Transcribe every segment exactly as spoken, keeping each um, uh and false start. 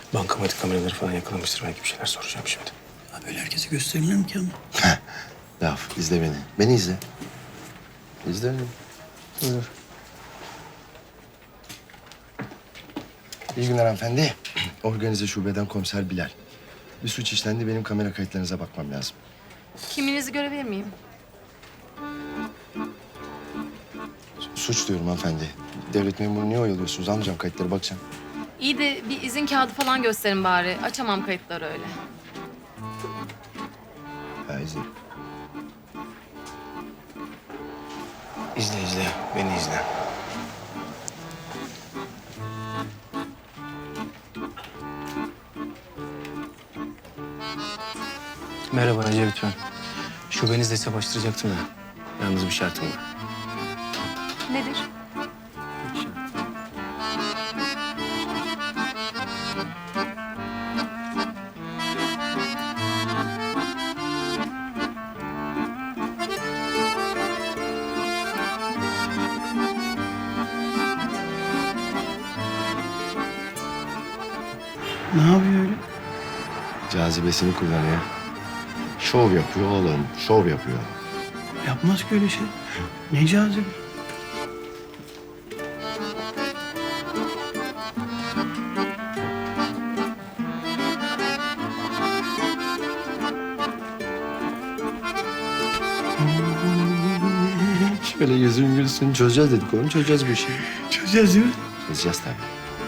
Bankamatik kameraları falan yakalamıştır. Belki bir şeyler soracağım şimdi. Ya böyle herkese gösterilir mi ki ama? Laf, izle beni. Beni izle. İzle beni. Buyur. İyi günler hanımefendi. Organize şubeden komiser Bilal. Bir suç işlendi, benim kamera kayıtlarınıza bakmam lazım. Kimliğinizi görebilir miyim? Suç diyorum hanımefendi. Devlet memuru niye oyalıyorsunuz? Almayacağım kayıtları, bakacağım. İyi de bir izin kağıdı falan gösterin bari. Açamam kayıtları öyle. Ha, izle. İzle izle. Beni izle. Merhaba Recep ben. Şubenizle hesap açtıracaktım ya. Yalnız bir şartım var. Nedir? Ne yapıyor öyle? Cazibesini kullanıyor. Şov yapıyor oğlum, şov yapıyor. Yapmaz ki öyle şey. Ne cazibe. Şöyle yüzün gülsün, çözeceğiz dedik oğlum, çözeceğiz bu işi. Çözeceğiz değil mi? Çözeceğiz tabii.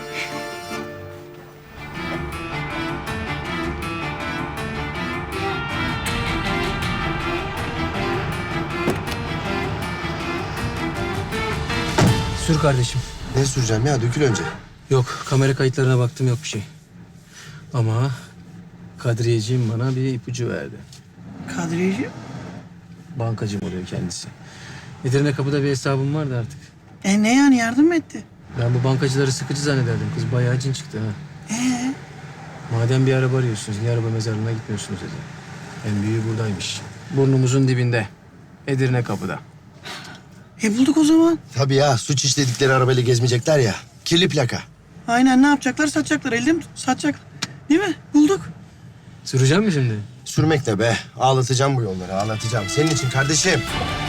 Sür kardeşim. Ne süreceğim ya, dökül önce. Yok, kamera kayıtlarına baktım, yok bir şey. Ama Kadriyeciğim bana bir ipucu verdi. Kadriyeci. Bankacım oluyor kendisi. Edirne Kapı'da bir hesabım vardı artık. E ne yani, yardım mı etti? Ben bu bankacıları sıkıcı zannederdim. Kız bayağı cin çıktı ha. Ee? Madem bir araba arıyorsunuz, niye araba mezarlığına gitmiyorsunuz dedi. En büyüğü buradaymış. Burnumuzun dibinde. Edirne Kapı'da. E bulduk o zaman. Tabii ya, suç işledikleri arabayla gezmeyecekler ya. Kirli plaka. Aynen, ne yapacaklar? Satacaklar. Elde mi? Satacaklar. Değil mi? Bulduk. Süreceğim mi şimdi? Sürmek de be. Ağlatacağım bu yolları, ağlatacağım. Senin için kardeşim.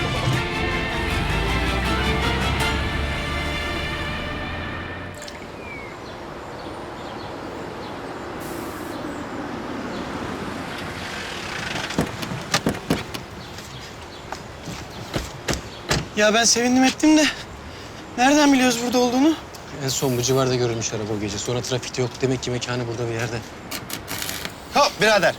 Ya ben sevindim ettim de. Nereden biliyoruz burada olduğunu? En son bu civarda görülmüş araba o gece. Sonra trafikte yok. Demek ki mekanı burada bir yerde. Hop birader.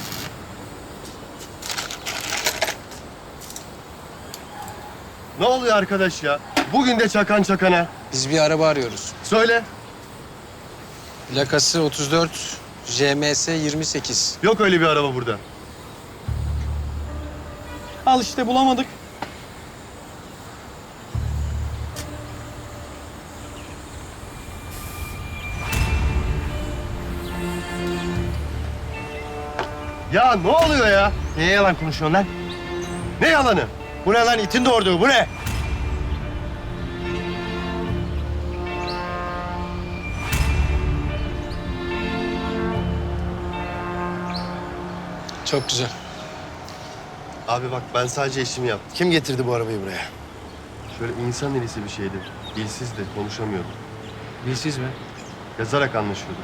Ne oluyor arkadaş ya? Bugün de çakan çakana. Biz bir araba arıyoruz. Söyle. Plakası otuz dört, J M S yirmi sekiz. Yok öyle bir araba burada. Al işte, bulamadık. Ya ne oluyor ya? Niye yalan konuşuyorsun lan? Ne yalanı? Bu ne lan, itin doğurduğu, bu ne? Çok güzel. Abi bak, ben sadece işimi yaptım. Kim getirdi bu arabayı buraya? Şöyle insan elisi bir şeydi. Dilsizdi, konuşamıyordu. Dilsiz mi? Yazarak anlaşıyorduk.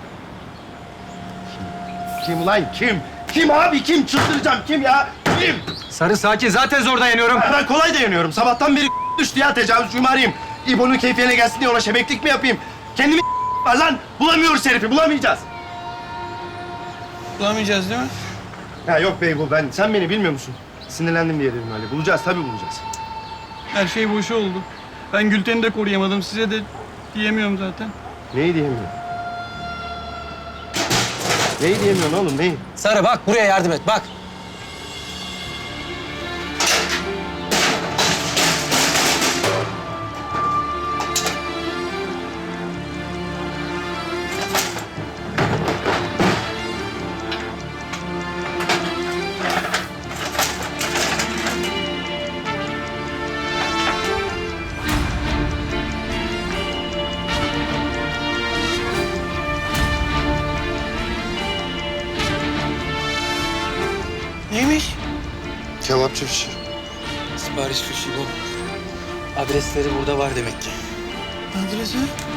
Kim? Kim ulan kim? Kim abi kim? Çıldıracağım, kim ya? Kim? Sarı sakin, zaten zor dayanıyorum. Ben kolay dayanıyorum. Sabahtan beri düştü ya, tecavüzcüyümü arayayım. İbo'nun keyfine gelsin diye ona şebeklik mi yapayım? Kendimi var lan. Bulamıyoruz herifi, bulamayacağız. Bulamayacağız değil mi? Ya yok bey bu, ben, sen beni bilmiyor musun? Sinirlendim diye dedim öyle. Bulacağız, tabii bulacağız. Her şey boşa oldu. Ben Gülten'i de koruyamadım. Size de diyemiyorum zaten. Neyi diyemiyorsun? Neyi diyemiyorsun oğlum, neyi? Sarı bak, buraya yardım et, bak. Kebapçı fişi. Sipariş fişi bu. Adresleri burada var demek ki. Adresi?